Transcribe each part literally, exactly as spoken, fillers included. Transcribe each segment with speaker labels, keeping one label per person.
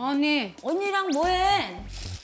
Speaker 1: 언니.
Speaker 2: 언니랑 뭐해?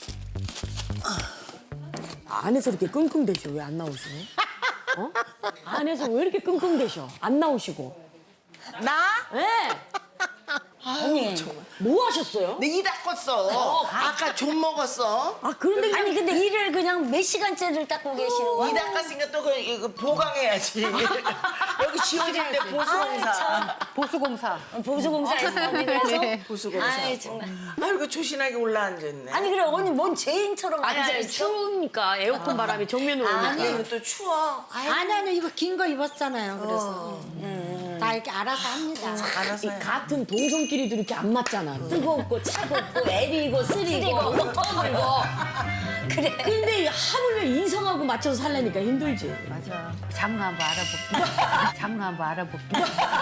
Speaker 3: 안에서 이렇게 끙끙대셔. 왜 안 나오시고? 어? 안에서 왜 이렇게 끙끙대셔? 안 나오시고.
Speaker 4: 나?
Speaker 3: 네.
Speaker 2: 언니.
Speaker 3: 뭐 하셨어요?
Speaker 4: 내 이 닦았어. 아까 좀 먹었어.
Speaker 3: 아, 그런데
Speaker 2: 아니 근데 일을 그냥 몇 시간째를 닦고 계시는 거야?
Speaker 4: 이 닦았으니까 또 그, 이거 보강해야지. 여기 지워질 때 보수공사.
Speaker 1: 보수공사.
Speaker 2: 보수공사에서 언니 그래서?
Speaker 1: 네.
Speaker 4: 보수공사.
Speaker 2: 아이 정말.
Speaker 4: 아이고 조신하게 올라앉았네.
Speaker 2: 아니 그래 언니 뭔 죄인처럼
Speaker 3: 아니, 아니,
Speaker 2: 앉아있어?
Speaker 3: 추우니까 에어컨 바람이 정면으로 오니까.
Speaker 4: 아니 이거 또 추워.
Speaker 5: 아니 아니 이거 긴 거 입었잖아요. 그래서 다 이렇게 알아서 합니다.
Speaker 4: 알아서 해.
Speaker 3: 같은 동성끼리도 이렇게 안 맞잖아. 뜨겁고 차갑고 애리고 쓰리고 터물고.
Speaker 2: 그래.
Speaker 3: 근데 하물며 이성하고 맞춰서 살려니까 힘들지.
Speaker 1: 맞아. 장르 한번 알아볼게. 장르 한번 알아볼게.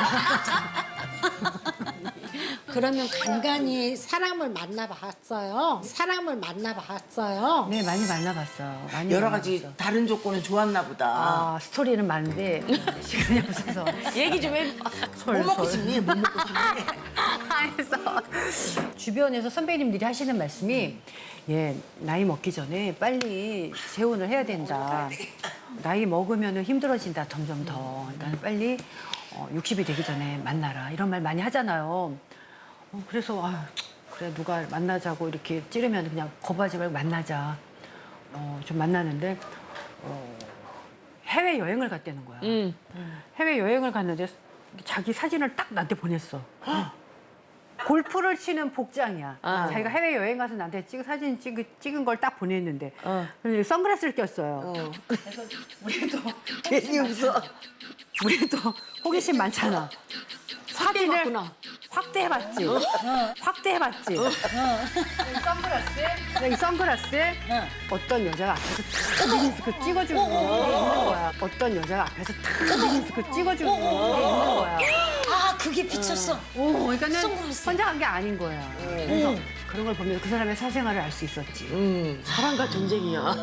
Speaker 5: 그러면 간간히 사람을 만나봤어요. 사람을 만나봤어요.
Speaker 1: 네, 많이 만나봤어. 많이
Speaker 4: 여러 가지
Speaker 1: 만나봤어.
Speaker 4: 다른 조건은 좋았나 보다.
Speaker 1: 아, 스토리는 많은데 시간이 없어서.
Speaker 3: 얘기 좀 해.
Speaker 4: 뭐 먹고 싶니? 뭐 먹고 싶니?
Speaker 1: 그래서 주변에서 선배님들이 하시는 말씀이 예, 나이 먹기 전에 빨리 재혼을 해야 된다. 나이 먹으면 힘들어진다, 점점 더. 그러니까 빨리 어, 육십이 되기 전에 만나라. 이런 말 많이 하잖아요. 어, 그래서 아유, 그래 누가 만나자고 이렇게 찌르면 그냥 거부하지 말고 만나자. 어, 좀 만나는데 어, 해외 여행을 갔다는 거야.
Speaker 3: 응.
Speaker 1: 해외 여행을 갔는데 자기 사진을 딱 나한테 보냈어. 골프를 치는 복장이야.
Speaker 3: 아.
Speaker 1: 자기가 해외 여행 가서 나한테 찍은 사진 찍은, 찍은 걸 딱 보냈는데
Speaker 3: 어.
Speaker 1: 근데 선글라스를 꼈어요. 그래서 우리도
Speaker 4: 괜히 웃어.
Speaker 1: 우리도 호기심 많잖아. 사진을
Speaker 3: 확대해봤구나.
Speaker 1: 확대해봤지. 확대해봤지. 이 선글라스에 이 선글라스에 어떤 여자가 앞에서 탁 미니스크 찍어주는 게 있는 거야. 어떤 여자가 앞에서 탁 미니스크 찍어주는 게 있는 거야.
Speaker 2: 아 그게 비쳤어.
Speaker 1: 오, 그러니까는
Speaker 2: 선글라스.
Speaker 1: 혼자 간 게 아닌 거야. 그래서 그런 걸 보면 그 사람의 사생활을 알 수 있었지.
Speaker 3: 음, 사랑과 전쟁이야.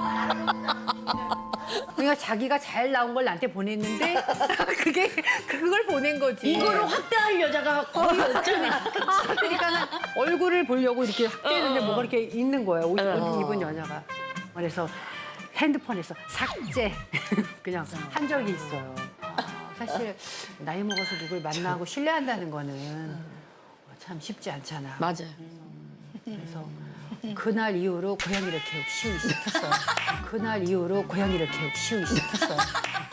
Speaker 1: 그러니까 자기가 잘 나온 걸 나한테 보냈는데 그게 그걸 보낸 거지.
Speaker 3: 이거를 확대할 여자가 거의 없잖아.
Speaker 1: 아, 그러니까는 얼굴을 보려고 이렇게 확대했는데 뭐가 이렇게 있는 거야. 옷, 옷 입은 여자가. 그래서 핸드폰에서 삭제 그냥 한 적이 있어요. 아, 사실 나이 먹어서 누굴 만나고 신뢰한다는 거는 참 쉽지 않잖아.
Speaker 3: 맞아요.
Speaker 1: 그래서 그날 이후로 고양이를 키우기 시작했어요. 그날 이후로 고양이를 키우기 시작했어요.